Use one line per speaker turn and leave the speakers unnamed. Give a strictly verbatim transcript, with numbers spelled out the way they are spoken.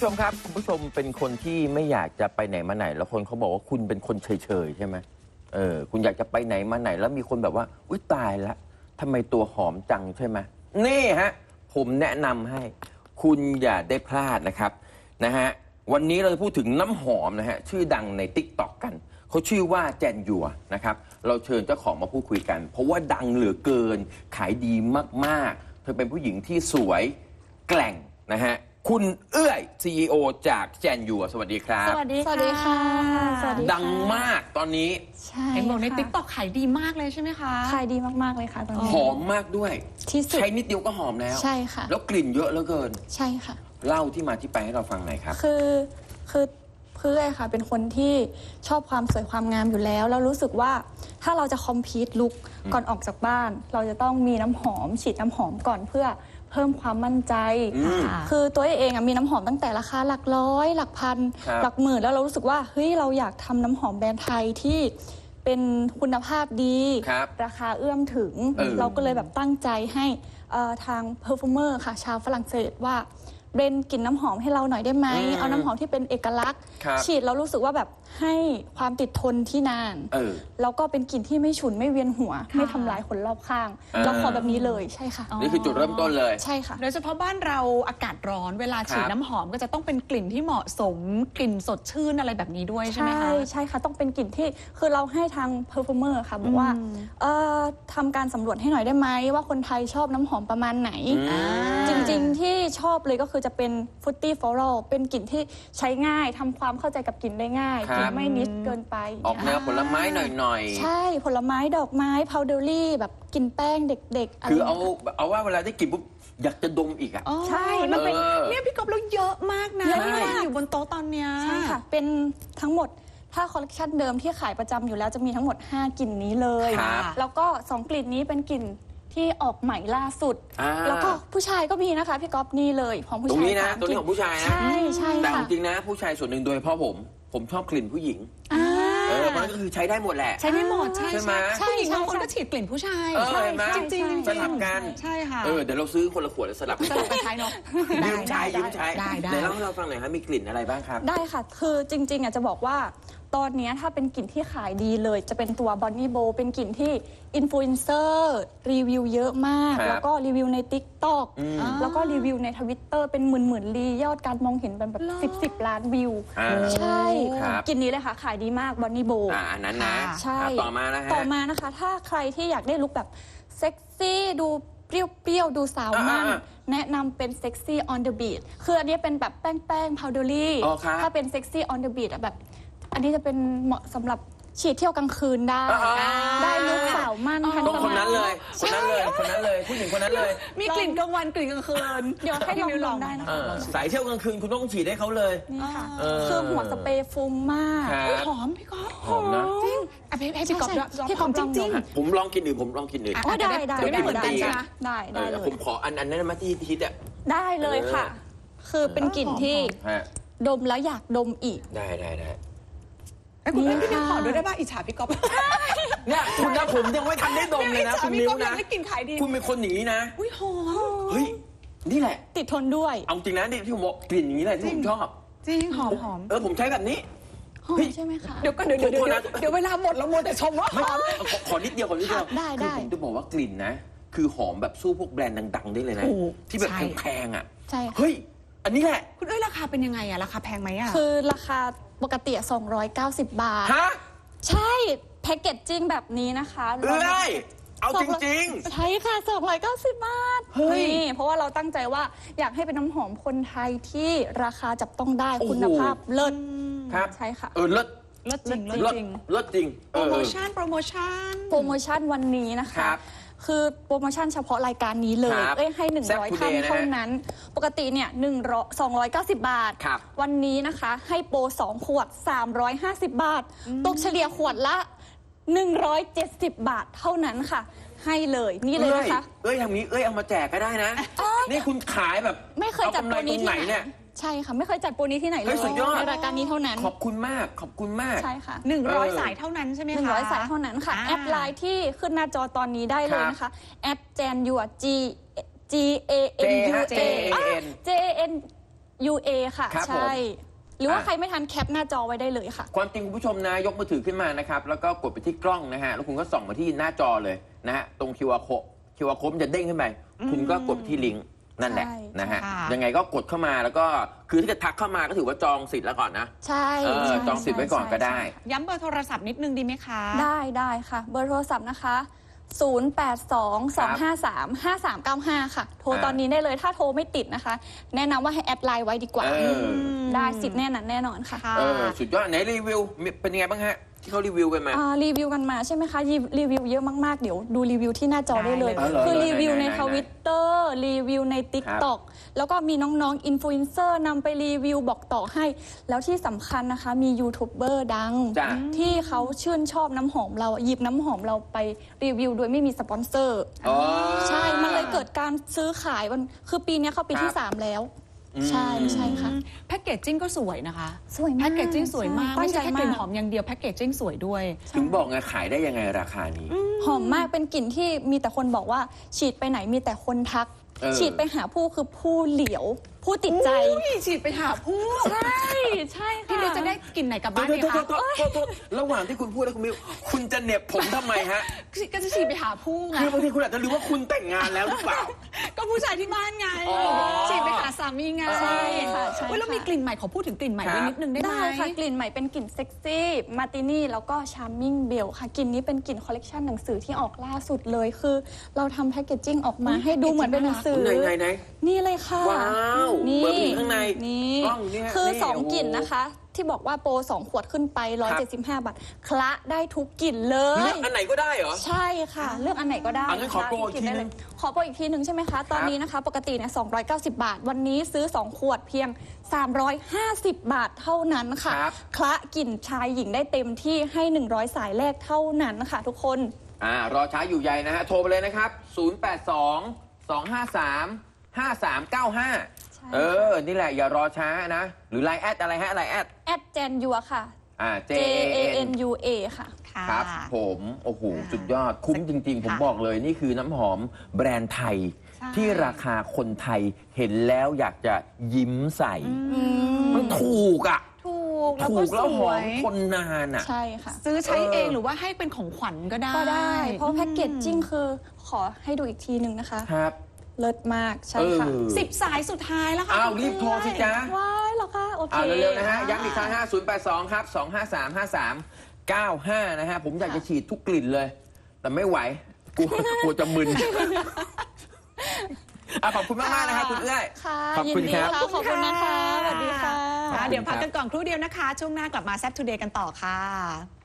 ชมครับคุณผู้ชมเป็นคนที่ไม่อยากจะไปไหนมาไหนแล้วคนเขาบอกว่าคุณเป็นคนเฉยๆใช่ไหมเออคุณอยากจะไปไหนมาไหนแล้วมีคนแบบว่าอุ๊ยตายละทำไมตัวหอมจังใช่ไหมนี่ฮะผมแนะนำให้คุณอย่าได้พลาดนะครับนะฮะวันนี้เราจะพูดถึงน้ำหอมนะฮะชื่อดังใน ติ๊กต็อก กันเขาชื่อว่าแจนยัวนะครับเราเชิญเจ้าของมาพูดคุยกันเพราะว่าดังเหลือเกินขายดีมากๆเธอเป็นผู้หญิงที่สวยแกร่งนะฮะคุณเอื้อย ซี อี โอ จากแจนยัวสวัสดีครับ
สวัสดีค่ะสวัสดีค่ะ
ดังมากตอนนี้
ใช่
เห็นบอกใน
ค่ะ
ติ๊กต็อกขายดีมากเลยใช่ไหมคะ
ขายดีมากๆเลยค่ะตอนนี้
หอมมากด้วย
ที่สุด
ใช้นิดเดียวก็หอมแล้ว
ใช่ค่ะ
แล้วกลิ่นเยอะเหลือเกิน
ใช่ค่ะ
เล่าที่มาที่ไปให้เราฟังหน่อยครับ
คือคือเพื่อนค่ะเป็นคนที่ชอบความสวยความงามอยู่แล้วแล้วรู้สึกว่าถ้าเราจะคอมพีทลุกก่อนออกจากบ้าน เราจะต้องมีน้ำหอมฉีดน้ำหอมก่อนเพื่อเพิ่มความมั่นใจ คือตัวเองมีน้ำหอมตั้งแต่ราคาหลักร้อยหลักพันหลักหมื่นแล้วเรารู้สึกว่าเฮ้ยเราอยากทำน้ำหอมแบรนด์ไทยที่เป็นคุณภาพดี
ร
ราคาเอื้อมถึง
เออ
เราก็เลยแบบตั้งใจให้ทางเพอร์ฟอร์เมอร์ค่ะชาวฝรั่งเศสว่าเบรนกลิ่นน้ำหอมให้เราหน่อยได้ไหมเอาน้ำหอมที่เป็นเอกลักษณ์ฉีดแล้วรู้สึกว่าแบบให้ความติดทนที่นานแล้วก็เป็นกลิ่นที่ไม่ฉุนไม่เวียนหัวไม่ทำลายคนรอบข้างเราขอแบบนี้เลยใช่ค่ะ
นี่คือจุดเริ่มต้นเลย
ใช่ค่ะ
โดยเฉพาะบ้านเราอากาศร้อนเวลาฉีดน้ำหอมก็จะต้องเป็นกลิ่นที่เหมาะสมกลิ่นสดชื่นอะไรแบบนี้ด้วยใช่ไหมคะ
ใช่ใช่ค่ะต้องเป็นกลิ่นที่คือเราให้ทางเพอร์ฟอร์เมอร์ค่ะบอกว่าทำการสำรวจให้หน่อยได้ไหมว่าคนไทยชอบน้ำหอมประมาณไหนจริงๆที่ชอบเลยก็คือจะเป็นฟรุตตี้ฟลอรัลเป็นกลิ่นที่ใช้ง่ายทำความเข้าใจกับกลิ่นได้ง่ายกลิ่นไม่นิดเกินไป
ออกแนวผลไม้หน่อย
ๆใช่ผลไม้ดอกไม้พาวเดอรี่แบบกินแป้งเด็กๆ
คือเอาเอาว่าเวลาได้กลิ่นปุ๊บอยากจะดมอีกอ่ะ
ใช่มันเป็น
เนี่ยพี่ก๊อฟเราเยอะมากนะที่วางอยู่บนโต๊ะตอนเนี้ย
ใช่ค่ะเป็นทั้งหมดถ้าคอลเลคชันเดิมที่ขายประจำอยู่แล้วจะมีทั้งหมดห้ากลิ่นนี้เลยแล้วก็สองกลิ่นนี้เป็นกลิ่นที่ออกใหม่ล่าสุดแล้วก็ผู้ชายก็มีนะคะพี่ก๊อฟนี่เลยของผู้ชาย
ตรงนี้นะตัวนี้ของผู้ชายนะ
ใช่ใช่
แต่
ค่ะ
จริงนะผู้ชายส่วนหนึ่งโดยเฉพาะผมผมชอบกลิ่นผู้หญิงเออมันก็คือใช้ได้หมดแหละ
ใช้ได้หมดใช่
ใช่ไหม
ผู้หญิงบางคนก็ฉีดกลิ่นผู้ชาย
ใช่ไหม
จริงๆ
สลับกัน
ใช่ค่ะ
เออเดี๋ยวเราซื้อคนละขวดแล้วสลับ
สลับกันใช้เนาะ
ยืมใช้ยืมใช้
ได้ได้
เดี๋ยวเล่าให้เราฟังหน่อยครับมีกลิ่นอะไรบ้างครับ
ได้ค่ะคือจริงๆอ่ะจะบอกว่าตอนนี้ถ้าเป็นกลิ่นที่ขายดีเลยจะเป็นตัว Bonnie Bo เป็นกลิ่นที่อินฟลูเอนเซอร์รีวิวเยอะมากแล้วก็รีวิวใน ติ๊กต็อก แล้วก็รีวิวใน ทวิตเตอร์ เป็นหมื่นๆรียอดการมองเห็นเป็นแบบสิบ สิบล้านวิวใช่กลิ่นนี้เลยค่ะขายดีมาก Bonnie Bo
อ่านั้นนะ
ใช่
ต่อมานะฮะ
ต่อมานะคะถ้าใครที่อยากได้ลุคแบบเซ็กซี่ดูเปรี้ยวๆดูสาวมั่นแนะนำเป็น Sexy on the Beat คืออันนี้เป็นแบบแป้งๆ powdery ถ้าเป็น Sexy on the Beat แบบอันนี้จะเป็นเหมาะสำหรับฉีดเที่ยวกลางคืนได้ได้ลุคสาวมั่นทันสมัย
คนนั้นเลยคนนั้นเลยคนนั้นเลยผู้หญิงคนนั้นเลย
มีกลิ่นกลางวันกลิ่นกลางคืน
เดี๋ยวให้ลองลองได้นะคะ
สายเที่ยวกลางคืนคุณต้องฉีดให้เขาเลย
นี่ค่ะคือหัวสเปรย์ฟุ้งมาก
หอมพี่ก๊อฟ
หอมนะ
จริงให้พี่ก๊อฟ
พี่ก๊อฟจริง
ๆผมลองกินอื่นผมลองกินอื่น
ได้ได้ได้
ได้
ได้ได้เลย
ผมขออันอันนั้นมาที่ฮิตอ่ะ
ได้เลยค่ะคือเป็นกลิ่นที่ดมแล้วอยากดมอีก
ได้ได้ได้
ไอ้คุณพี่นิวขอด้วยได้ป่ะอิจฉาพี่ก๊อฟ
เนี่ยคุณนะผมยังไม่ทันได้ดมเลยนะคุณนิวนะ
ได้กลิ่นขายดี
คุณเป็นคนอย่างนี้นะ
อุ้ยหอม
เฮ้ยนี่แหละ
ติดทนด้วย
เอาจริงนะนี่ที่ผมบอกกลิ่นอย่างนี้แหละที่ผมชอบ
จริงหอมหอม
เออผมใช้แบบนี้
หอมใช่ไหมคะ
เดี๋ยวก็เดี๋ยวเดี๋ยวเดี๋ยวเวลาหมดเราโมแต่ชมว่าหอม
ขอนิดเดียวขอนิดเดียว
ได้ได้
ผมจะบอกว่ากลิ่นนะคือหอมแบบสู้พวกแบรนด์ดังๆได้เลยนะที่แบบแพงๆอ่ะ
ใช่
เฮ้ยอันนี้แหละ
คุณเอ้ยราคาเป็นยังไงอะราคาแพงไหมอะ
คือราคาปกติสองร้อยเก้าสิบบาท
ฮะ
ใช่แพ็กเกจจิ้งแบบนี้นะคะ
เอ้ยเอาจริง
ๆใช่ค่ะสองร้อยเก้าสิบบาทนี่เพราะว่าเราตั้งใจว่าอยากให้เป็นน้ำหอมคนไทยที่ราคาจับต้องได้คุณภาพเลิศ
ครับ
ใช่ค่ะ
เออเลิศ
เลิศจริงเลิศจริง
เลิศจริง
โปรโมชั่นโปรโมชั่น
โปรโมชั่นวันนี้นะคะคือโปรโมชั่นเฉพาะรายการนี้เลยเอ้ยให้หนึ่งร้อยท่านเท่านั้นปกติเนี่ยหนึ่งร้อยสองร้อยเก้าสิบบาทวันนี้นะคะให้โปรสองขวดสามร้อยห้าสิบบาทตกเฉลี่ยขวดละหนึ่งร้อยเจ็ดสิบบาทเท่านั้นค่ะให้เลยนี่เลยนะคะ
เอ้ยทำนี้เอ้ยเอามาแจกก็ได้นะนี่คุณขายแบบ
ไม่เคยจัดโปรนี้ที่ไหนใช่ค่ะไม่เคยจัดโปรนี้ที่ไหนเลยในรายการนี้เท่านั้น
ขอบคุณมากขอบคุณมาก
ใช่ค่ะ
หนึ่งร้อยสายเท่านั้นใช่ไหมคะ
หนึ่งร้อยสายเท่านั้นค่ะแอดไลน์ที่ขึ้นหน้าจอตอนนี้ได้เลยนะคะแอดแจนยัว G G A N U A J N ยู เอ ค่ะ
ครับผม
ใช่ หรือว่า
อ่ะ
ใครไม่ทันแคปหน้าจอไว้ได้เลยค่ะ
ความจริงคุณผู้ชมนะยกมือถือขึ้นมานะครับแล้วก็กดไปที่กล้องนะฮะแล้วคุณก็ส่องมาที่หน้าจอเลยนะฮะตรง คิว อาร์ code คิว อาร์ code มันจะเด้งขึ้นไปคุณก็กดไปที่ลิงก์นั่นแหละ
ใช่
นะฮะ
ค่ะ
ยังไงก็กดเข้ามาแล้วก็คือถ้าเกิดทักเข้ามาก็ถือว่าจองสิทธิ์แล้วก่อนนะ
ใช่
เออ
ใช่
จองสิทธิ์ไว้ก่อนก็ได้
ใช่
ย้ำเบอร์โทรศัพท์นิดนึงดีไหมคะ
ได้ได้ค่ะ เบอร์โทรศัพท์นะคะ ศูนย์ แปด สอง สอง ห้า สาม ห้า สาม เก้า ห้า ค่ะ โทร
อ่า
ตอนนี้ได้เลยถ้าโทรไม่ติดนะคะ แนะนำว่าให้แอดไลน์ไว้ดีกว่า
เออ
ได้สิทธิ์แน่นอนแน่นอนค่ะ
ค่ะ
เออสุดยอดไหนรีวิวมีเป็นยังไงบ้างฮะที่เขารีวิวกันมา
อ่ารีวิวกันมาใช่ไหมคะรีรีวิวเยอะมากๆ เดี๋ยวดูรีวิวที่หน้าจอได้เลย
ได้เลย
อ๋อเหรอ
คือรีวิวใน
ไหนๆๆ
ทวิตเตอร์รีวิวใน ติ๊กต็อก แล้วก็มีน้องๆอินฟลูเอนเซอร์นำไปรีวิวบอกต่อให้ แล้วที่สำคัญนะคะมียูทูบเบอร์ดัง
จ้ะ
ที่เขาชื่นชอบน้ำหอมเราหยิบน้ำหอมเราไปรีวิวโดยไม่มีสปอนเซอร์
อ๋อ
ใช่ มันเลยเกิดการซื้อขายมันคือปีนี้เข้าปีที่
ครับ
สามแล้ว
อืม
ใช่ใช่ค่ะ
แพ็กเกจจิ้งก็สวยนะคะ
สวยมาก
แพ็กเกจจิ้งสวยมาก
ใช่
ไม่ใช่แค่
ตั้งใจ
กลิ่น
มาก
หอมอย่างเดียวแพ็กเกจจิ้งสวยด้วย
ถึงบอกไงขายได้ยังไงราคานี้
หอมมากเป็นกลิ่นที่มีแต่คนบอกว่าฉีดไปไหนมีแต่คนทัก
เออ
ฉีดไปหาผู้คือผู้เหลียว ผู้ติดใจ
อุ้ยฉีดไปหาผู้
ใช่ใช่ค่ะ
พี่มิวจะได้กลิ่นไหนกลับ
โท
บ้า
ษ
นดี
โทษ
คะ
โทษโทษโทษระหว่างที่คุณพูดแล้วคุณมิวคุณจะเหน็บผมทำไมฮะ
ก็จะฉีดไปหาผู้ไง
คือบางทีคุณอาจจะรู้ว่าคุณแต่งงานแล้วหรือเปล่า
ก็ผู้ชายที่บ้านไง
อ๋อ
ฉีดไปหาสามีไง
ใช่ค่ะใช่
เว้ยแล้วมี
ค่ะ
กลิ่นใหม่ขอพูดถึงกลิ่นใหม่
ครับ
ไว้นิดนึงได้ไหม
ได้ค่ะกลิ่นใหม่เป็นกลิ่นเซ็กซี่มาตินี่แล้วก็ชาร์มมิ่งเบลค่ะกลิ่นนี้เป็นกลิ่นคอลเลกชันหนังสือที่ออกล่าสุดเลยคือ เราทำแพคเกจจิ้งออกมาให้ดูเหมือนเป็นหนังสือ
ไหนไหนไหน
นี่เลยค่ะ
ว้าว
นี่
เปิดไปถึงข้างใน
นี่
กล้องนี่ฮะ
คือ
นี่
สอง
โอ้โห
กลิ่นนะคะ ที่บอกว่าโปรสองขวดขึ้นไปหนึ่งร้อยเจ็ดสิบห้าบาทคละได้ทุกกลิ่นเล
เลื
ย
อกอันไหนก็ได้เหรอ
ใใช่ค่ะ เลือกอันไหนก็ได้
อ่ะงั้นขอโปรอีกทีนึง
ขอโปรอีกทีหนึ่งใช่ไหมคะ ตอนนี้นะคะ ปกติเนี่ยสองร้อยเก้าสิบบาท วันนี้ซื้อ สอง ขวดเพียง สามร้อยห้าสิบ บาทเท่านั้นค่ะ
ครับ
คละกลิ่นชายหญิงได้เต็มที่ให้ หนึ่งร้อย สายแรกเท่านั้นค่ะทุกคน
อ่ารอช้าอยู่ใยนะฮะ โทรไปเลยนะครับ ศูนย์ แปด สอง สอง ห้า สาม ห้า สาม เก้า ห้า
ใช่
เออ นี่แหละอย่ารอช้านะ หรือไลน์แอดอะไรฮะไลน์แอด
แอดเจนยัวค่ะ
อ่า J
J
A
A
N
N U A ค่ะ
ค่ะ
ครับผมโอ้โห
อ่า
สุดยอดคุ้มจริง ๆ ผม
ค่ะ
บอกเลยนี่คือน้ำหอมแบรนด์ไทย
ใช่
ที่ราคาคนไทยเห็นแล้วอยากจะยิ้มใส่
อืม
มันถูกอ่ะ
ถูกแล้ว
ถู
ก็
กแล้ว
ส
ห
ว
อม
ย
ทนนานอ่ะ
ใช่ค่ะ
ซื้อใช้
เออ
เองหรือว่าให้เป็นของขวัญก็ได้
ก็ได้ เพราะแพ็กเกจจิ้งคือขอให้ดูอีกทีหนึ่งนะคะ
ครับ
เลิศมากใช่ค่ะ
เออ
สิบสายสุดท้ายแล้วค่ะ
อ้าว
คุณ
รีบโทรสิ
เอ้ย
จ๊ะ
ว้ายเหรอคะโอเค
เอาเร็วๆนะฮะ
อ่า
ย้ำอีกครั้งฮะศูนย์ แปด สอง ครับ สอง ห้า สาม ห้า สาม เก้า ห้า นะฮะ ผมอยากจะฉีดทุกกลิ่นเลย แต่ไม่ไหวกลัวกลัวจะมึนอ่ะขอบคุณมากๆนะครับคุณเอื้อย
ค่ะ
ขอบ
ยิ
คุณ
นดี
ครับ
ค่ะขอบคุณนะคะสวัสดีค่ะ
ค่ะเดี๋ยวพักกันก่อนครู่เดียวนะคะ ช่วงหน้ากลับมาแซ่บทูเดย์กันต่อค่ะ